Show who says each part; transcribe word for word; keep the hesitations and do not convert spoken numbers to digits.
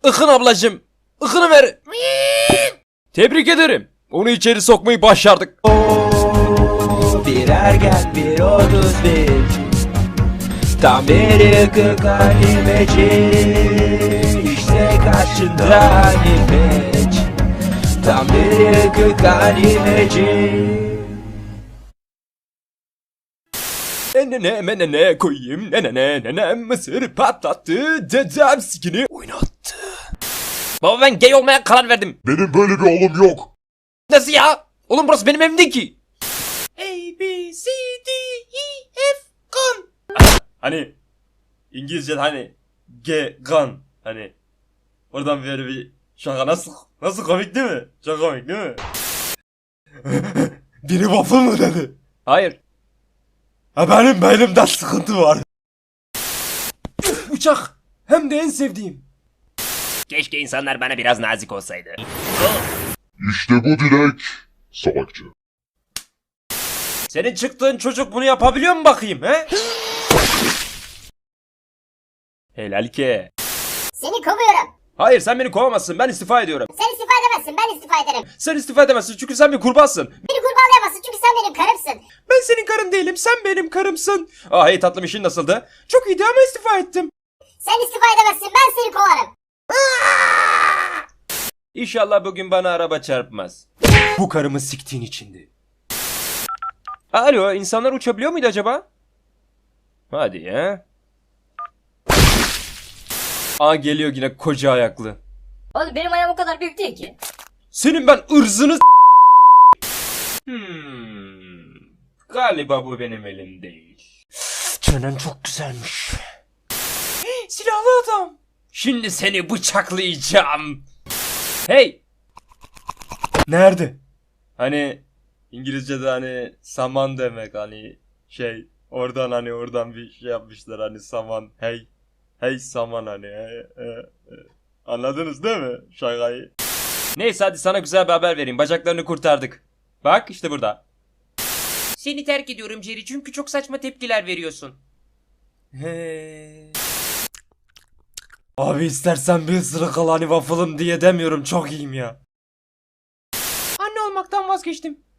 Speaker 1: Ikın ablacım. Ikını ver. Tebrik ederim. Onu içeri sokmayı başardık.
Speaker 2: Bir ergen bir otuz bir, tam bir ıkık animeci. İşte karşında animeç, tam bir ıkık animeci.
Speaker 1: Nenene menene koyayım, nenene nenem mısır patlattı, dedem sikini oynattı. Baba ben gay olmaya karar verdim.
Speaker 3: Benim böyle bir oğlum yok.
Speaker 1: Nasıl ya? Oğlum burası benim evim değil ki. A, B, C, D, E, F, gun. Hani İngilizce hani G, gun. Hani oradan böyle bir şaka nasıl nasıl komik değil mi? Çok komik değil mi? Biri waffle mı dedi? Hayır. Ha benim beynimde sıkıntı var. Uçak. Hem de en sevdiğim.
Speaker 4: Keşke insanlar bana biraz nazik olsaydı.
Speaker 3: İşte bu Dilek. Salakça.
Speaker 1: Senin çıktığın çocuk bunu yapabiliyor mu bakayım he? Helal ki.
Speaker 5: Seni kovuyorum.
Speaker 1: Hayır sen beni kovamazsın, ben istifa ediyorum.
Speaker 5: Sen istifa edemezsin, ben istifa ederim.
Speaker 1: Sen istifa edemezsin çünkü sen bir kurbansın.
Speaker 5: Beni kurbağalayamazsın çünkü sen benim karımsın.
Speaker 1: Ben senin karın değilim, sen benim karımsın. Ah hey tatlım, işin nasıldı? Çok iyiydi ama istifa ettim.
Speaker 5: Sen istifa edemezsin, ben seni kovarım.
Speaker 1: İnşallah bugün bana araba çarpmaz. Bu karımı siktiğin içindi. Alo, insanlar uçabiliyor muydu acaba? Hadi ya. Aa geliyor yine koca ayaklı.
Speaker 6: Oğlum benim ayağım o kadar büyük değil ki.
Speaker 1: Senin ben ırzını Hmm. Galiba bu benim elim değil. Çenen çok güzelmiş. Silahlı adam. Şimdi seni bıçaklayacağım. Hey. Nerede? Hani İngilizce'de hani saman demek, hani şey oradan hani oradan bir şey yapmışlar hani saman, hey. Hey saman hani hey, hey, hey. Anladınız değil mi şakayı? Neyse hadi sana güzel bir haber vereyim. Bacaklarını kurtardık. Bak işte burada. Seni terk ediyorum Jerry çünkü çok saçma tepkiler veriyorsun. He. Abi istersen bir ısırık al hani waffle'ım diye demiyorum, çok iyiyim ya. Anne olmaktan vazgeçtim.